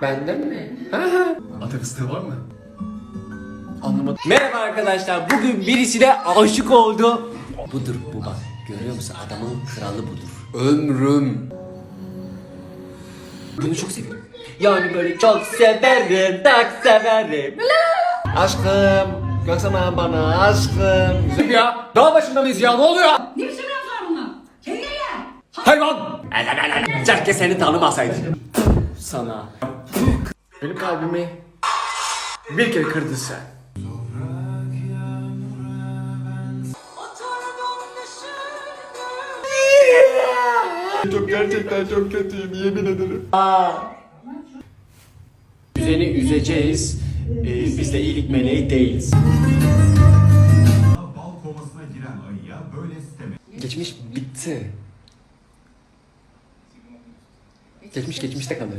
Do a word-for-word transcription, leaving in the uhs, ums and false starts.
Benden mi? Ata fıstığı var mı? Anlamadım. Merhaba arkadaşlar. Bugün birisine aşık oldu. Budur bu bak. Görüyor musun? Adamın kralı budur. Ömrüm. Bunu çok seviyorum. Yani böyle çok severim, çok severim. Aşkım. Baksana bana aşkım. Güzel ya. Dağ başında mıyız ya? Ne oluyor? Ne biçim laflar bunlar? Kendine gel. Hayvan! Keşke seni tanımasaydı. Sana. Benim kalbimi bir kere kırdın sen. Çok gerçekten çok kötüyüm yemin ederim. Üzeni üzeceğiz. Ee, biz de iyilik meleği değiliz. Bal kovasına giren ayıya böyle sisteme. Geçmiş bitti. Geçmiş geçmişte kalır.